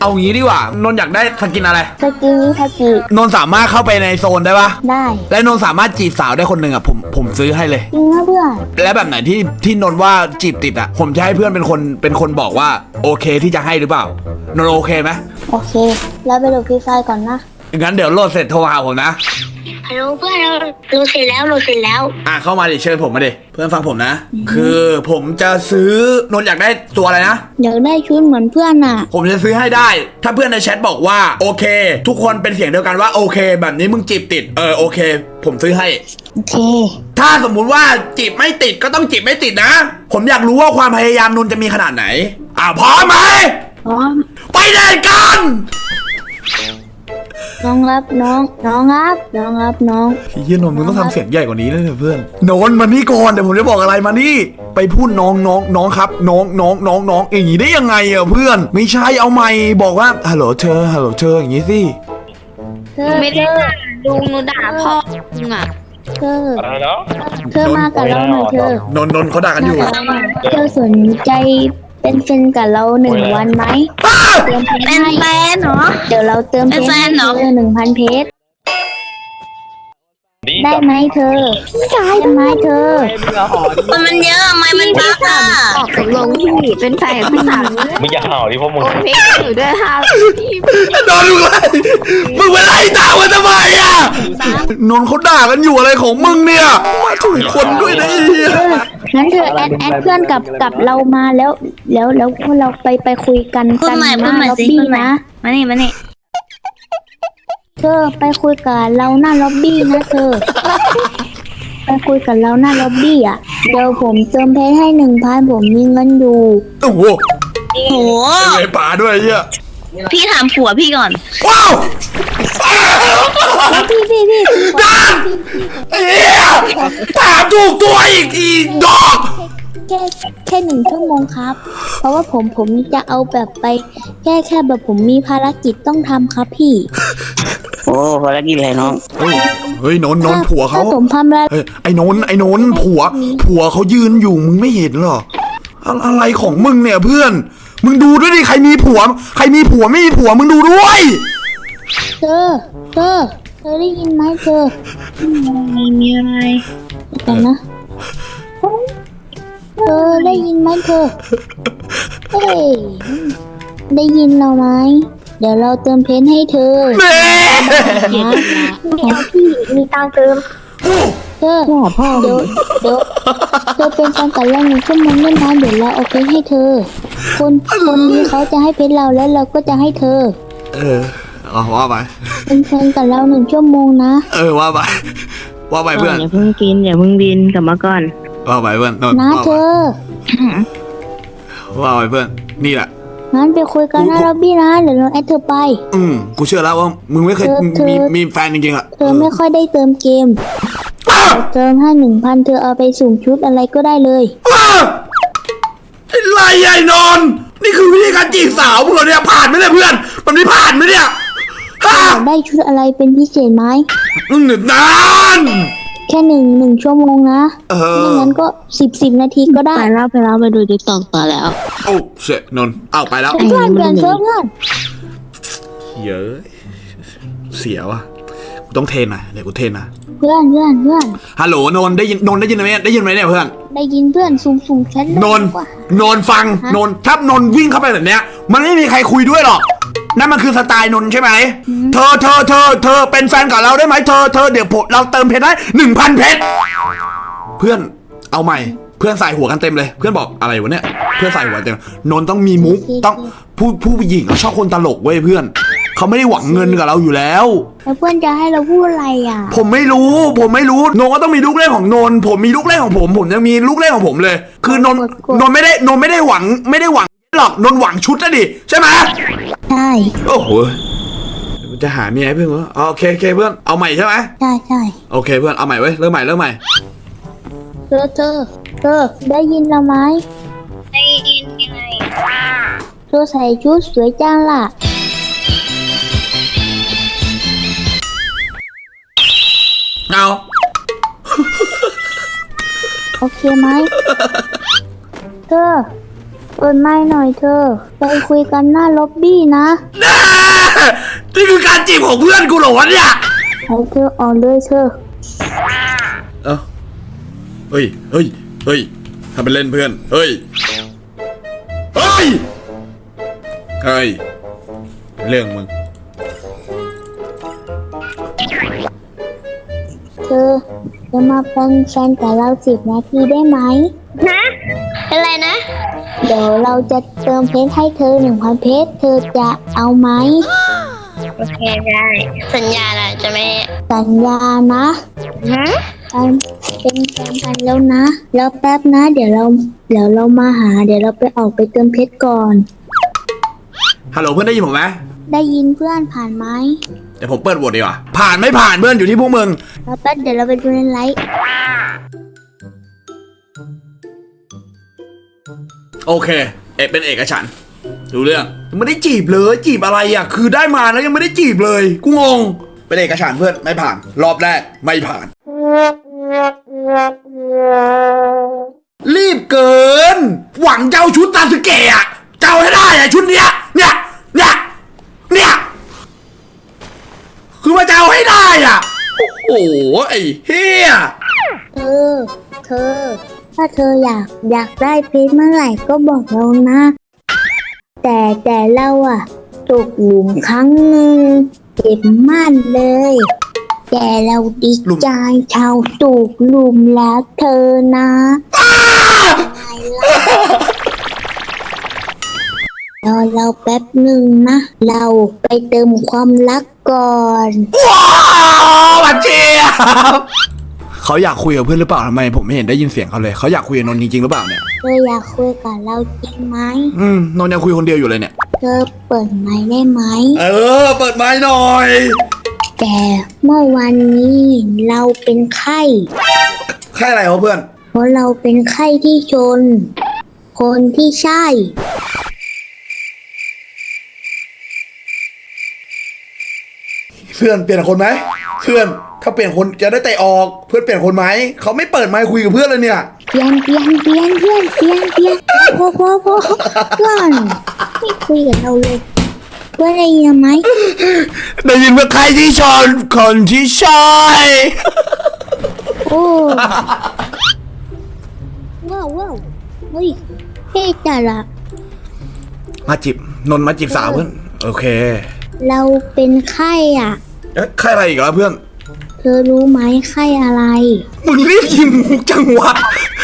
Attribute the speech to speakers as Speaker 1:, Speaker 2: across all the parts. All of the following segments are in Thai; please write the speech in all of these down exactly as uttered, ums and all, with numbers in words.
Speaker 1: เอางี้ดีกว่านนท์อยากได้สกินอะไร
Speaker 2: สกินนี้ทากิ
Speaker 1: นนท์สามารถเข้าไปในโซนได้ปะ
Speaker 2: ได้
Speaker 1: และนนท์สามารถจีบสาวได้คนหนึ่งอ่ะผมผมซื้อให้เลย
Speaker 2: จริงนะเพื่อน
Speaker 1: และแบบไหนที่ที่นนท์ว่าจีบติดอ่ะผมจะให้เพื่อนเป็นคนเป็นคนบอกว่าโอเคที่จะให้หรือเปล่านนท์โอเคไหม
Speaker 2: โอเคแล้วไปโหลดฟรีไฟก่อนนะ
Speaker 1: งั้นเดี๋ยวโหลดเสร็จโทรหาผมนะ
Speaker 2: ฮัลโหลเพื่อนเราโหลดเสร็จแล้วโหลดเสร็จแล้ว
Speaker 1: อ่ะเข้ามาดิเชิญผมมาดิเพื่อนฟังผมนะคือผมจะซื้อนนท์อยากได้ตัวอะไรนะ
Speaker 2: อยากได้ชุดเหมือนเพื่อนอ่ะ
Speaker 1: ผมจะซื้อให้ได้ถ้าเพื่อนในแชทบอกว่าโอเคทุกคนเป็นเสียงเดียวกันว่าโอเคแบบนี้มึงจีบติดเออโอเคผมซื้อให้
Speaker 2: โอเค
Speaker 1: ถ้าสมมุติว่าจีบไม่ติดก็ต้องจีบไม่ติดนะผมอยากรู้ว่าความพยายามนนท์จะมีขนาดไหนอ่ะพร้อมไหม
Speaker 2: พร้อม
Speaker 1: ไปเล่นกัน
Speaker 2: น้องรับน้องน้องรับน้องรับน้อง
Speaker 1: พี่เฮียนนท์มึงต้องทำเสียงใหญ่กว่านี้นะเพื่อนนนท์มานี่ก่อนเดี๋ยวผมจะบอกอะไรมานี่ไปพูดน้องน้องน้องครับน้องน้องน้องน้องอย่างนี้ได้ยังไงอ่ะเพื่อนไม่ใช่เอาไมค์บอกว่าฮัลโหลเธอฮัลโหลเธออย่างนี้สิ
Speaker 2: เธอไม่ได้ลุงหนูด่าพ่อมึงอ่ะเธอเธอมากับเราหน่อยเธอน
Speaker 1: นท์นนท์เขาด่ากันอยู่
Speaker 2: เธอสนใจเป็นแฟนกับเราหนึ่งวันไหมเติมเพชรให้เป็นแฟนเหรอเดี๋ยวเราเติมเพชรให้เธอหนึ่งพันเพชรได้ไหมเธอพี่ชายได้ไหมเธอ
Speaker 3: มันมันเยอะไม่มันบ้าค่ะ
Speaker 2: ออกลงที่เป็นแฟนพี่สาว
Speaker 4: มึงอย่าเห่าดิพวกมึง
Speaker 2: เพชรอยู่ด้วยค่ะ
Speaker 1: นนท์มึงไล่มึงไปไล่ตามมันทำไมอ่ะนนท์เขาด่ากันอยู่อะไรของมึงเนี่ยมาถูกคนด้วยนะ
Speaker 2: งั้นเธอแอดแอดเพื่อนกับกับเรามาแล้ว แล้วแล้วพวกเราไปไปคุยกันกันหน้าล็อบบี้นะ
Speaker 3: มานี่มานี่
Speaker 2: เธอไปคุยกับเราหน้าล็อบบี้นะเธอไปคุยกับเราหน้าล็อบบี้อ่ะเดี๋ยวผมเติมเพชรให้หนึ่งพันผมมีเงินอยู่
Speaker 1: โอ้โห
Speaker 3: โอ้โห
Speaker 1: ไอ้ป่าด้วยเหี้ย
Speaker 3: พี่ถามผัวพี่ก่อน
Speaker 1: ว้าว
Speaker 2: พี่พี่พี่
Speaker 1: ดันเฮียถามถูกตัวอีกอีดอก
Speaker 2: แค่แค่หนึ่งชั่วโมงครับเพราะว่าผมผมจะเอาแบบไปแค่แค่แบบผมมีภารกิจต้องทำครับพี่
Speaker 4: โอ้ภารกิจอะไรน้อง
Speaker 1: เฮ้ยนนนนผัวเขา
Speaker 2: ผมทำแล้ว
Speaker 1: ไอ้นนไอ้นนผัวผัวเขายืนอยู่มึงไม่เห็นหรออะไรของมึงเนี่ยเพื่อนมึงดูด้วยดิใครมีผัวใครมีผัวไม่มีผัวมึงดูด้วย
Speaker 2: เธอเธอเธอได้ยินไหมเธอ
Speaker 3: ไม่มีอะไร
Speaker 2: แต่นะเธอได้ยินไหมเธอเฮ้ยได้ยินเราไหมเดี๋ยวเราเติมเพนให้เธอ
Speaker 1: แม่
Speaker 2: พี่มีตังเติมเธอพ่อเดี๋ยวเดี๋ยวเธอเป็นแฟนกับเราหนึ่งชั่วโมงเล่นน้ำเดี๋ยวเราเอาเพนให้เธอคนคนนี้เขาจะให้เพนเราแล้วเราก็จะให้เธอ
Speaker 1: เออเอาว่าไป
Speaker 2: เป็นแฟนกับเราหนึ่งชั่วโมงนะ
Speaker 1: เออว่าไปว่าไปเพื่อน
Speaker 3: อย่าเพิ่งกินอย่าเพิ่งบินกลับมาก่อน
Speaker 1: ว่าไปเพื่อน
Speaker 2: นะเธอ
Speaker 1: ว่าไปเพื่อนนี่แหละ
Speaker 2: งั้นไปคุยกันนะล็อบบี้นะเดี๋ยวเราแอดเธอไป
Speaker 1: อืมกูเชื่อแล้วว่ามึงไม่เคยมีมีแฟนจริงๆอ่ะ
Speaker 2: เธอไม่ค่อยได้เติมเกมเติมให้หนึ่งพันเธอเอาไปสุ่มชุดอะไรก็ได้เลย
Speaker 1: อะไรใหญ่นอนนี่คือวิธีการจีบสาวมึงเหรอเนี่ยผ่านไหมเนี่ยเพื่อนมันไม่ผ่านไหมเนี่ย
Speaker 2: ได้ชุดอะไรเป็นพิเศษไหม
Speaker 1: อืมนาน
Speaker 2: แค่หนึ่งหนึ่งชั่วโมงนะไม่งั้นก็สิบสิบนาทีก็ได้
Speaker 3: ไปแล้วไปแล้วไปดูติ๊กต็อกต่อแล้ว
Speaker 1: โอ้เสร็จนนเอาไปแล้ว
Speaker 2: เพื่อนเพื่อนเพื่อนเพื่อน
Speaker 1: เยอะเสียวะกูต้องเทนนะเดี๋ยวกูเทนนะ
Speaker 2: เพื่อนเพื่อนเพื่อน
Speaker 1: ฮัลโหลนนได้ยินนนได้ยินไหมได้ยินไหมเนี่ยเพื่อน
Speaker 2: ได้ยินเพื่อนซูมซูมแชท
Speaker 1: นนนนฟังนนถ้านนวิ่งเข้าไปแบบเนี้ยมันไม่มีใครคุยด้วยหรอกนั่นมันคือสไตล์นนใช่ไหมเธอเธอเธอเธอเป็นแฟนกับเราได้ไหมเธอเธอเดี๋ยวผมเราเติมเพชรได้หนึ่งพันเพชรเพื่อนเอาใหม่เพื่อนใส่หัวกันเต็มเลยเพื่อนบอกอะไรวะเนี่ยเพื่อนใส่หัวเต็มนนต้องมีมุกต้องผู้ผู้หญิงเขาชอบคนตลกเว้ยเพื่อนเขาไม่ได้หวังเงินกับเราอยู่แล้ว
Speaker 2: แล้วเพื่อนจะให้เราพูดอะไรอ่ะ
Speaker 1: ผมไม่รู้ผมไม่รู้นนก็ต้องมีลูกเล่นของนนผมมีลูกเล่นของผมผมยังมีลูกเล่นของผมเลยคือนนนนไม่ได้นนไม่ได้หวังไม่ได้หวังหรอกนนหวังชุดนะดิใช่ไหม
Speaker 2: ใช่
Speaker 1: โอ้โหจะหาเมียให้เพื่อนเหรอโอเคโอเคเพื่อนเอาใหม่ใช่ไหม
Speaker 2: ใช่ใช่
Speaker 1: โอเคเพื่อนเอาใหม่เว้ยเริ่มใหม่เริ่มใหม่
Speaker 2: เธอเธอเธอได้ยินเราไหม
Speaker 3: ได้ยินยังไง
Speaker 2: เธอใส่ชุดสวยจังล่ะ
Speaker 1: เอา
Speaker 2: โอเคไหมเธอโอเปิดไมค์หน่อยเธอไปคุยกันหน้าล็อบบี้นะ
Speaker 1: แน่นี่คือการจีบของเพื่อนกูเหรอวะเนี่ย
Speaker 2: ให้เธอออกเลยเธอ
Speaker 1: เอ้าเฮ้ยเฮ้ยเฮ้ยทำเป็นเล่นเพื่อนเฮ้ยเฮ้ยเฮ้ยเรื่องมึง
Speaker 2: เธอจะมาเป็นแฟนกับเราสิบนาทีได้ไหม
Speaker 3: นะเป็นไรนะ
Speaker 2: เดี๋ยวเราจะเติมเพชรให้เธอหนึ่งพันเพชรเธอจะเอาไหม
Speaker 3: โอเคได้สัญญาแหละจะไม่
Speaker 2: สัญญานะ
Speaker 3: ฮะ
Speaker 2: การเป็นแฟนกันแล้วนะแล้วแป๊บนะ เดี๋ยวเราเดี๋ยวเรามาหา เดี๋ยวเราไปออกไปเติมเพชรก่อน
Speaker 1: ฮัลโหลเพื่อนได้ยินผมไหม
Speaker 2: ได้ยินเพื่อนผ่านไหม
Speaker 1: เดี๋ยวผมเปิดโหวตดีกว่าผ่านไม่ผ่านเพื่อนอยู่ที่พวกมึง
Speaker 2: แล้วแป๊บเดี๋ยวเราไปดูในไลฟ์
Speaker 1: โอเคเอกเป็นเอกฉันท์ดูเรื่องไม่ได้จีบเลยจีบอะไรอ่ะคือได้มาแล้วยังไม่ได้จีบเลยกูงงเป็นเอกฉันท์เพื่อนไม่ผ่าน รอบแรกไม่ผ่าน รีบเกิน หวังเจ้าชุดซาสึเกะอ่ะเจ้าให้ได้อ่ะชุดเนี้ยเนี่ยเนี่ยเนี่ยคือว่าเจ้าให้ได้อ่ะโอ้โหไอ้เฮีย
Speaker 2: เธอ เธอ ถ้าเธออยากอยากได้เพชรเมื่อไหร่ก็บอกเรานะ แต่แต่เราอะตกหลุมครั้งหนึ่งเจ็บมากเลย แต่เราดีใจชาวตกหลุมรักเธอนะรอเราแป๊บหนึ่งนะ เราไปเติมความรักก่อน
Speaker 1: ว้าวบัดเจียบเขาอยากคุยกับเพื่อนหรือเปล่าทำไมผมไม่เห็นได้ยินเสียงเขาเลยเขาอยากคุยกับนนท์จริงๆหรือเปล่าเนี่ย
Speaker 2: เธออยากคุยกับเราจริงไหม
Speaker 1: อืมนนท์ยังคุยคนเดียวอยู่เลยเนี่ย
Speaker 2: เธอเปิดไมค์ได้ไหม
Speaker 1: เออเปิดไม้หน่อย
Speaker 2: แต่เมื่อวันนี้เราเป็นไข้
Speaker 1: แค่อะไรวะเพื่อน
Speaker 2: เพราะเราเป็นไข้ที่ชน คนที่ใช่
Speaker 1: เพื่อนเปลี่ยนคนไหมเพื่อนถ้าเปลี่ยนคนจะได้เตะออกเพื่อนเปลี่ยนคนไหมเขาไม่เปิดไมค์คุยกับเพื่อนเลยเนี่ย
Speaker 2: เปลี่ยนเปลี่ยนเปลี่ยนเพื่อนเปลี่ยนเปลี่ยนพอพอพอเพื่อนไม่คุยกับเราเลยเพื่อนได้ยินไหม
Speaker 1: ได้ยินว่าใครที่ชนคนที่ใช่
Speaker 2: โอ้ว้าวว้าวเฮ้ยเท่จัดละ
Speaker 1: มาจีบนนท์มาจีบสาวเพื่อนโอเค
Speaker 2: เราเป็นไข้อ่ะ
Speaker 1: เอ๊ะใครอะไรอีกแล้วเพื่อน
Speaker 2: เธอรู้ไหมไข้อะไร
Speaker 1: มึงรีบยิงจังวะ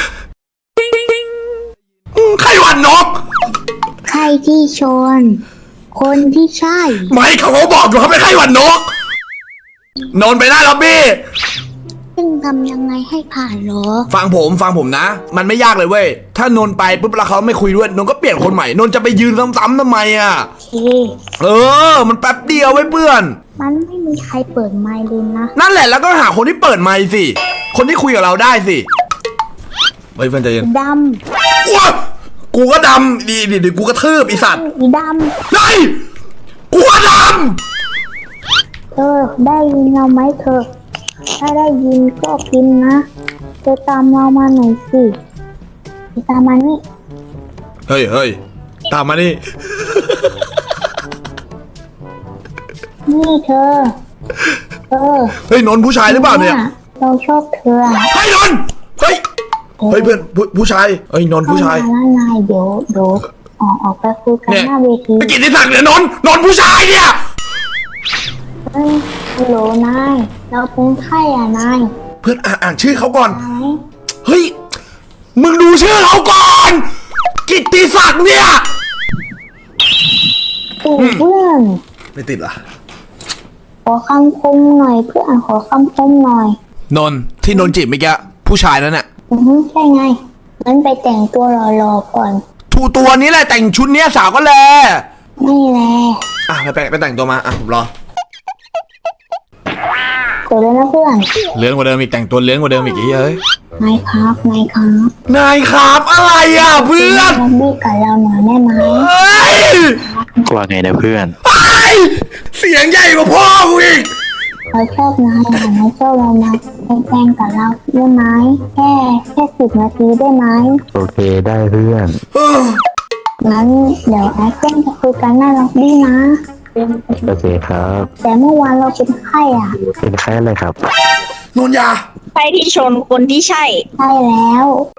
Speaker 1: อืมใครหวันนก
Speaker 2: ไข้ที่ชน คนที่ใช่
Speaker 1: ไม่เขาก็บอกอยู่เขาไม่ใครหวันนกนนท์ไปหน้าล็อบบี้
Speaker 2: ซึ่งทำยังไงให้ผ่านเหรอ
Speaker 1: ฟังผมฟังผมนะ มันไม่ยากเลยเว้ยถ้านนท์ไปปุ๊บแล้วเขาไม่คุยด้วยนนท์ก็เปลี่ยนคนใหม่นนท์จะไปยืนซ้ำๆทำไมอ่ะ
Speaker 2: โอเค
Speaker 1: เออ มันแป๊บเดียวไว้เพื่อน
Speaker 2: มันไม่มีใครเปิดไมค์เลยนะ
Speaker 1: นั่นแหละแล้วก็หาคนที่เปิดไมค์สิคนที่คุยกับเราได้สิเฮ้ยเพื่อนใจเย็น
Speaker 2: ด
Speaker 1: ว้ากูก็ดำดีดีดีกูกระทืบไอีสัตว์
Speaker 2: ำอีด
Speaker 1: เฮ้ยกูก็ด
Speaker 2: ำเธอได้ยินเราไหมเธอ ถ้าได้ยินก็พิมพ์นะ เธอตามเรามาหน่อยสิเธอตามมานี่
Speaker 1: ำเฮ้ยเฮ้ยตามมานี่
Speaker 2: นี่เธอ เธอ
Speaker 1: เฮ้ยนนท์ผู้ชายหรือเปล่าเนี่ย
Speaker 2: เราชอบเธอ
Speaker 1: เฮ้ยนนท์เฮ้ยเฮ้ยเพื่อนผู้ผู้ชายเฮ้ยนนท์ผู้ชาย
Speaker 2: เข้มละลายเดี๋ยวเดี๋ยวออกออกไปคุยกัน
Speaker 1: เนี่ย
Speaker 2: หน้าเวที
Speaker 1: ไอ้กิตติศักดิ์เนี่ยนนท์นนท์ผู้ชายเนี่ย
Speaker 2: เฮ้ยฮัลโหลนาย เราเป็นไข้อ่ะนาย
Speaker 1: เพื่อนอ่านอ่านชื่อเขาก่อน
Speaker 2: นาย
Speaker 1: เฮ้ยมึงดูชื่อเขาก่อน กิตติศักดิ์เนี่ย
Speaker 2: ตู่เพื่อน
Speaker 1: ไม่ติดเหรอ
Speaker 2: ขอคำคมหน่อยเพื่อนขอคำคมหน่อย
Speaker 1: นนท์ที่นนท์จีบเมื่อกี้ผู้ชายนั่นน่ะ
Speaker 2: อือฮึใช่ไงงั้นไปแต่งตัวหล่อๆก่อน
Speaker 1: ทูตัวนี้แหละแต่งชุดเนี้ยสาวก็แล
Speaker 2: ไม่แล
Speaker 1: อ่ะไปไปไปแต่งตัวมาอ่ะผมรอ
Speaker 2: เกิดแล้วนะเพื่อน
Speaker 1: เลื้อนกว่าเดิมอีกแต่งตัวเลื้อนกว่าเดิมอีกไอ้เฮ้ย
Speaker 2: นายครับนายครับ
Speaker 1: นายครับอะไรอ่ะเพื่อน
Speaker 2: ล็อบบี้กับเราหน่อยได้ไหม
Speaker 1: เฮ้ย
Speaker 4: ว่าไงนะเพื่อน
Speaker 1: เฮ้ยเสียงใหญ่กว่าพ่อกูอีก
Speaker 2: เราชอบนายอ่ะนายชอบเรามาเป็นแฟนกับเราได้ไหมแค่แค่สิบนาทีได้ไหม
Speaker 5: โอเคได้เพื่อน
Speaker 1: เออ
Speaker 2: งั้นเดี๋ยวแอดเพื่อนจะคุยกันหน้าล็อบบี้นะ
Speaker 4: โอเคครับ
Speaker 2: แต่เมื่อวานเราเป็นไข้อ่ะ
Speaker 4: เป็นแค่อะไรครับ
Speaker 1: นนยา
Speaker 3: ไปที่ชนคนที่ใช่
Speaker 2: ใช่แล้ว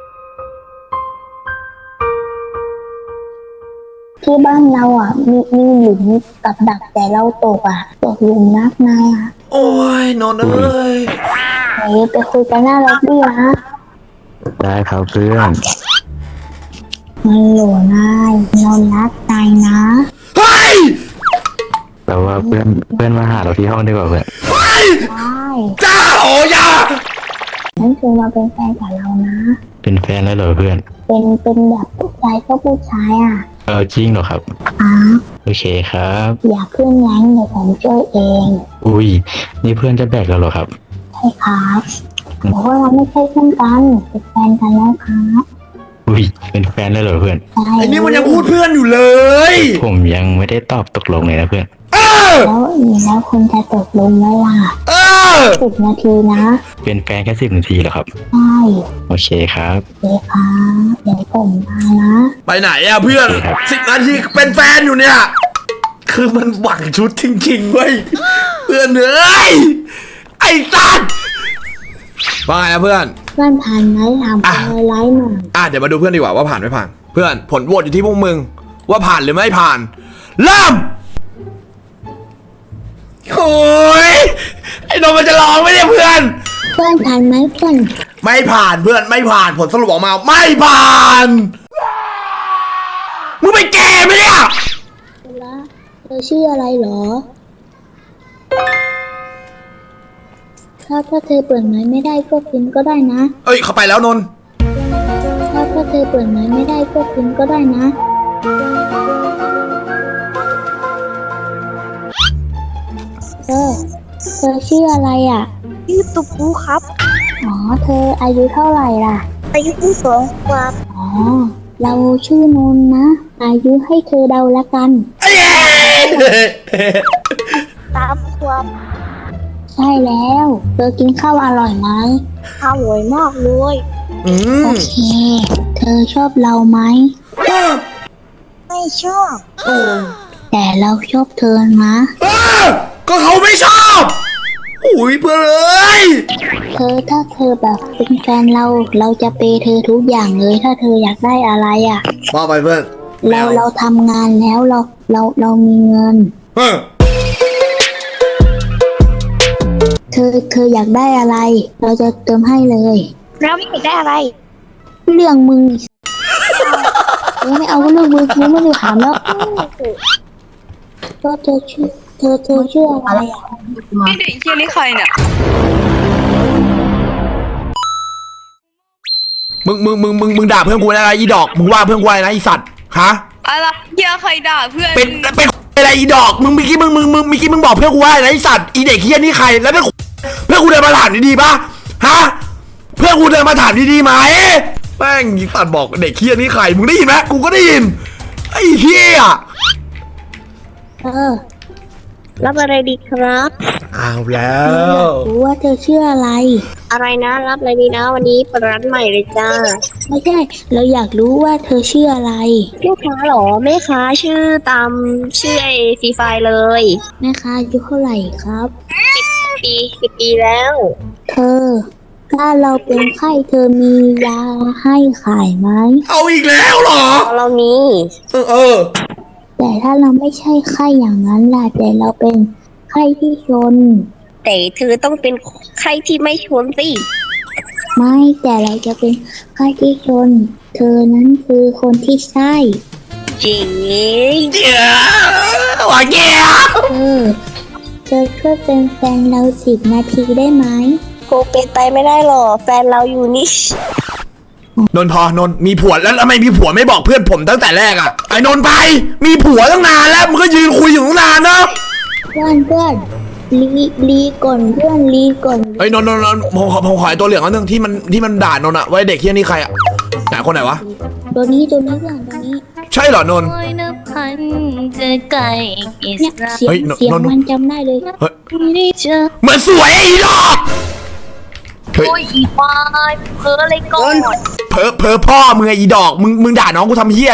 Speaker 2: ที่บ้านเราอ่ะ มีมีหลุมกับดักแต่เราตกอ่ะตกหลุมนักนายอ่ะ
Speaker 1: โอ้ยนนเอ้ย
Speaker 2: เดี๋ยวไปคุยกันหน้าล็อบบี้นะ
Speaker 4: ได้ครับเพื่อน
Speaker 2: มันหลวนายเรารักนายนะ
Speaker 1: เฮ้ย
Speaker 4: แต่ว่าเพื่อนเพื่อนมาหาเราที่ห้องดีกว่าเพื่อน
Speaker 1: เฮ้ย
Speaker 2: ใช่
Speaker 1: จ้าโอ้ยา
Speaker 2: นั่นคือมาเป็นแฟนกับเรานะ
Speaker 4: เป็นแฟนแล้วเหรอเพื่อน
Speaker 2: เป็นเป็นแบบผู้ชายก็ผู้ชายอ่ะ
Speaker 4: เออจริงเหรอครับ
Speaker 2: อ้า
Speaker 4: โอเคครับ
Speaker 2: อยากขึ้นแรงเดี๋ยวผมช่วยเอง
Speaker 4: อุ้ยนี่เพื่อนจะแบกเราเหรอครับ
Speaker 2: ใช่ครับแต่ว่าเราไม่ใช่เพื่อนกันเป็นแฟนกันแล้วครับ
Speaker 4: อุ้ยเป็นแฟนแล้วเหรอเพื่อน
Speaker 2: ใช่
Speaker 1: ไอ้นี่มันยังพูดเพื่อนอยู่เลย
Speaker 4: ผมยังไม่ได้ตอบตกลงเลยนะเพื่อน
Speaker 1: เออ
Speaker 2: แล้วแล้วคุณจะตกลงไหมล่ะ
Speaker 1: เออ
Speaker 2: สิบนาทีนะ
Speaker 4: เป็นแฟนแค่สิบนาทีเหรอครับ
Speaker 2: ใช่
Speaker 4: โอเคครับ
Speaker 2: เดี๋ยวครับเดี๋ยวผมมานะ
Speaker 1: ไปไหนอะเพื่อน
Speaker 4: โอเคครับ
Speaker 1: สิบนาทีเป็นแฟนอยู่เนี่ย คือมันหวังชุดจริงๆเว้ยเพื่อนเอ้ยไอ้สัตว์ว่าไงนะเพื่อน
Speaker 2: เพื่อนผ่านไหมถาม
Speaker 1: อ่ะ
Speaker 2: ไปไลน์หน่อย
Speaker 1: อ่ะเดี๋ยวมาดูเพื่อนดีกว่าว่าผ่านไม่ผ่าน เพื่อนผลโหวตอยู่ที่พวกมึง ว่าผ่านหรือไม่ผ่าน เริ่มโอ้ยไอ้นนท์มันจะร้องไหมเนี่ยเพื่อน
Speaker 2: เพื่อนผ่านไหมเพื่อน
Speaker 1: ไม่ผ่านเพื่อนไม่ผ่านผลสรุปออกมาไม่ผ่านมึงไปแก่ไหมเนี่ย
Speaker 2: แล้วเธอชื่ออะไรเหรอถ้าถ้าเธอเปิดไม้ไม่ได้ก็พิมพ์ก็ได้นะ
Speaker 1: เอ้ยเข้าไปแล้วนนท์
Speaker 2: ถ้าถ้าเธอเปิดไม้ไม่ได้ก็พิมพ์ก็ได้นะเออเธอชื่ออะไรอ่ะ
Speaker 3: ชื่อตุ๊กปูครับ
Speaker 2: อ๋อ เธออายุเท่าไหร่ล่ะ
Speaker 3: อายุสองขวบ
Speaker 2: อ๋อ เราชื่อนนท์นะ อายุให้เธอเดาละกัน
Speaker 1: เอ้ย
Speaker 3: สามขวบ
Speaker 2: ใช่แล้ว เธอกินข้าวอร่อยไหม
Speaker 3: อร่อยมากเลย
Speaker 1: อืม
Speaker 2: โอเค เธอชอบเราไหม
Speaker 3: ไม่ชอบ
Speaker 2: แต่เราชอบเธอนะ
Speaker 1: เออก็เขาไม่ชอบอุ้ยเพื่อนเอ้ย
Speaker 2: เธอถ้าเธอแบบเป็นแฟนเรา เราจะเปย์เธอทุกอย่างเลย ถ้าเธออยากได้อะไรอ่ะ
Speaker 1: ว่าไปเพื่อน
Speaker 2: เราเราทำงานแล้วเราเราเรามีเงิน
Speaker 1: เออ
Speaker 2: เธอเธออยากได้อะไร เราจะเติมให้เลย
Speaker 3: เราไม่อยากได้อะไร
Speaker 2: เรื่องมึงเออไม่เอาก็เรื่องมึงกูไม่ได้ถามแล้วก็เธอชื่อเธอเธอชื่ออะไรอ่ะ
Speaker 3: ไม่เด็กเชี่ยนี่ใครเนี่ย
Speaker 1: มึงมึงมึงมึงมึงด่าเพื่อนกูอะไรอีดอกมึงว่าเพื่อนกูอะไรนะอีสัตว์ฮะ
Speaker 3: อะไรเชี่ยใครด่าเพื่อน
Speaker 1: เป็นเป็นอะไรอีดอกมึงเมื่อกี้มึงมึงมึงเมื่อกี้มึงบอกเพื่อนกูว่าอะไรนะอีสัตว์อีเด็กเฮี้ยนี่ใครแล้วเพื่อนเพื่อนกูเดินมาถามดีๆป่ะฮะเพื่อนกูเดินมาถามดีๆไหมแม่งอีสัตว์บอกเด็กเฮี้ยนี่ใครมึงได้ยินไหมกูก็ได้ยินไอ้เฮี้ย
Speaker 2: เออ
Speaker 3: รับอะไรดีครับ
Speaker 1: เอาแล้ว
Speaker 2: รู้ว่าเธอชื่ออะไร
Speaker 3: อะไรนะรับอะไรดีนะวันนี้เปิดร้านใหม่เลยจ้า
Speaker 2: ไม่ใช่ เราอยากรู้ว่าเธอชื่ออะไร
Speaker 3: แม่ค้าเหรอแม่ค้าชื่อตามชื่อไอฟรีไฟเลย
Speaker 2: แม่ค้าอายุเท่าไหร่ครับ
Speaker 3: ปีสิบปีแล้ว
Speaker 2: เธอ ถ้าเราเป็นไข้เธอมียาให้ขายไหม
Speaker 1: เอาอีกแล้วเหรอ
Speaker 3: เรามี
Speaker 1: เออเออ
Speaker 2: แต่ถ้าเราไม่ใช่ไข้อย่างนั้นล่ะแต่เราเป็นไข้ที่ชน
Speaker 3: แต่เธอต้องเป็นใครที่ไม่ชนสิ
Speaker 2: ไม่แต่เราจะเป็นไข้ที่ชน เธอนั้นคือคนที่ใช่
Speaker 3: จริง
Speaker 1: เดี๋ยวว่าแก
Speaker 2: เออเธอช่วยเป็นแฟนเราสิบนาทีได้ไหม
Speaker 3: คงเป็นไปไม่ได้หรอกแฟนเราอยู่นี่
Speaker 1: นนท์พอนนท์มีผัวแล้วทำไมมีผัวไม่บอกเพื่อนผมตั้งแต่แรกอะไอ้นนท์ไปมีผัวตั้งนานแล้วมึงก็ยืนคุยอยู่ตั้งนานเนาะ
Speaker 2: เพื่อนเพื่อนลีลีก่อนเพื่อนลีก่อน
Speaker 1: เฮ้ยนนท์นนท์นนท์ผมขอผมขอไอ้ตัวเหลืองอันนึงที่มันที่มันด่านนท์อะไว้เด็กเฮี้ยนี่ใครอะไหนคนไหนวะ
Speaker 2: ตัวนี้ตัวนี้เพื่อนตัวนี้
Speaker 1: ใช่เหรอนนท์
Speaker 5: โอยนับพันจะไกลอิ
Speaker 2: เนี่ย
Speaker 5: สระ
Speaker 2: เสียง
Speaker 1: เฮ้ยน
Speaker 2: เสียง
Speaker 1: นน
Speaker 2: มันจำได้เลย
Speaker 1: เฮ้ย
Speaker 5: ไม่ได้เจอ
Speaker 1: เหมือนสวยไอ้ดอกเฮ้ย
Speaker 5: โอ้ยอีวายเพ้ออะไรก่อน
Speaker 1: เพอเพอพ่อมึงไงอีดอกมึงมึงด่าน้องกูทำเฮี้ยอะไร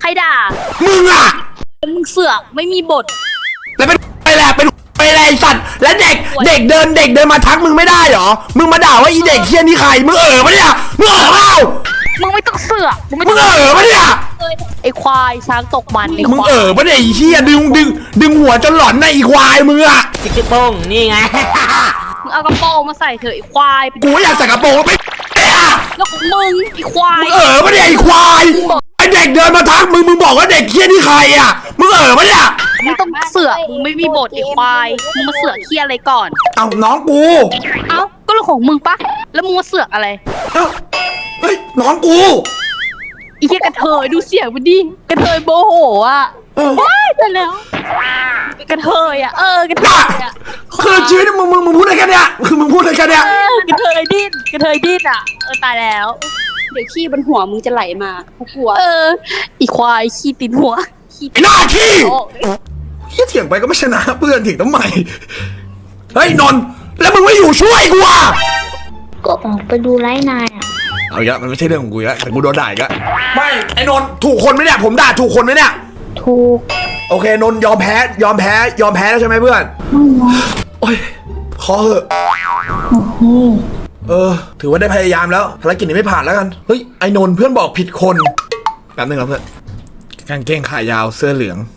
Speaker 5: รด่า
Speaker 1: มึงอะ
Speaker 5: มึงเสือกไม่มีบท
Speaker 1: แล้วเป็นไปแหละเป็นไปแหละไอ้สัตว์แล้วเด็กเด็กเดินเด็กเดินมาทักมึงไม่ได้เหรอมึงมาด่าว่าอีเด็กเฮี้ยนี่ใครมึงเอ๋อปะเนี่ยมึงเอ๋อเปล่า
Speaker 5: มึงไม่ต้องเสือกมึงไม่
Speaker 1: มึ
Speaker 5: ต้อง ง
Speaker 1: เอ๋อปะเนี่ย
Speaker 5: ไอ้ควายช้างตกมันไอ้
Speaker 1: มึง
Speaker 5: ควาย
Speaker 1: เอ๋อปะเนี่ยไอ้เฮี้ยดึงดึงดึงหัวจนหลอนในะอีควายมึงอะ
Speaker 6: จิ๊กจิ๊กโป้งนี่ไง
Speaker 5: มึงเอากระโปรงมาใส่เถอะไอ้ควาย
Speaker 1: กูอยากใส่กระโปรงไปเอ๊ะ
Speaker 5: แล้วของมึงไอ้ควาย
Speaker 1: มึงเอ๋อปะเนี่ยไอ้ควายไอเด็กเดินมาทักมึงมึงบอกว่าเด็กเฮี้ยนี่ใครอะมึงเอ๋อปะเนี่ย
Speaker 5: มึงต้องเสือกมึงไม่มีบทไอ้ควายมึงมาเสือกเคียอะไรก่อน
Speaker 1: เอาน้องกู
Speaker 5: เอ้าก็เรื่องของมึงปะแล้วมึงมาเสือกอะไร
Speaker 1: เอ้าเฮ้ยน้องกู
Speaker 5: ไอ้เหี้ยกระเทยดูเสียงมันดิกระเทยโมโหอ่ะ
Speaker 1: เออ
Speaker 5: ว้ายแต่แล้วกระเทยอ่ะเออกระเท
Speaker 1: น่ะ
Speaker 5: ยอ่ะ
Speaker 1: คือชีวิตมึงมึงมึงพูดอะไรกันเนี่ยคือมึงพูดอะไรกันเนี่ย
Speaker 5: เออกระเทยดิ้นกระเทยดิ้นอ่ะเออตายแล้ว
Speaker 3: เดี๋ยวขี้บนหัวมึงจะไหลมาเขากลัว
Speaker 5: เอออีควายขี้ติดหัวขี้
Speaker 1: ไอ้หน้าขี้
Speaker 5: โอ้
Speaker 1: เฮี้ยเถียงไปก็ไม่ชนะเพื่อนเถียงทำไมเฮ้ยนนท์แล้วมึงไม่อยู่ช่วยกูอ่ะ
Speaker 2: ก็ออกไปดูไลฟ์นายอ่ะ
Speaker 1: เอาอีกแล้วมันไม่ใช่เรื่องของกูอีกแล้วแต่กูโดนด่าอีกแล้วไม่ไอ้นนท์ถูกคนไหมเนี่ยผมด่าถูกคนไหมเนี่ย
Speaker 2: ถูก
Speaker 1: โอเคนนท์ยอมแพ้ยอมแพ้ยอมแพ้แล้วใช่ไหมเพื่อน
Speaker 2: ไม่นะ
Speaker 1: โอ้ยขอเหอะ
Speaker 2: โอเค
Speaker 1: เออ ถือว่าได้พยายามแล้วภารกิจนี้ไม่ผ่านแล้วกันเฮ้ยไอ้นนท์เพื่อนบอกผิดคนแป๊บนึงครับเพื่อนกางเกงขายาวเสื้อเหลือง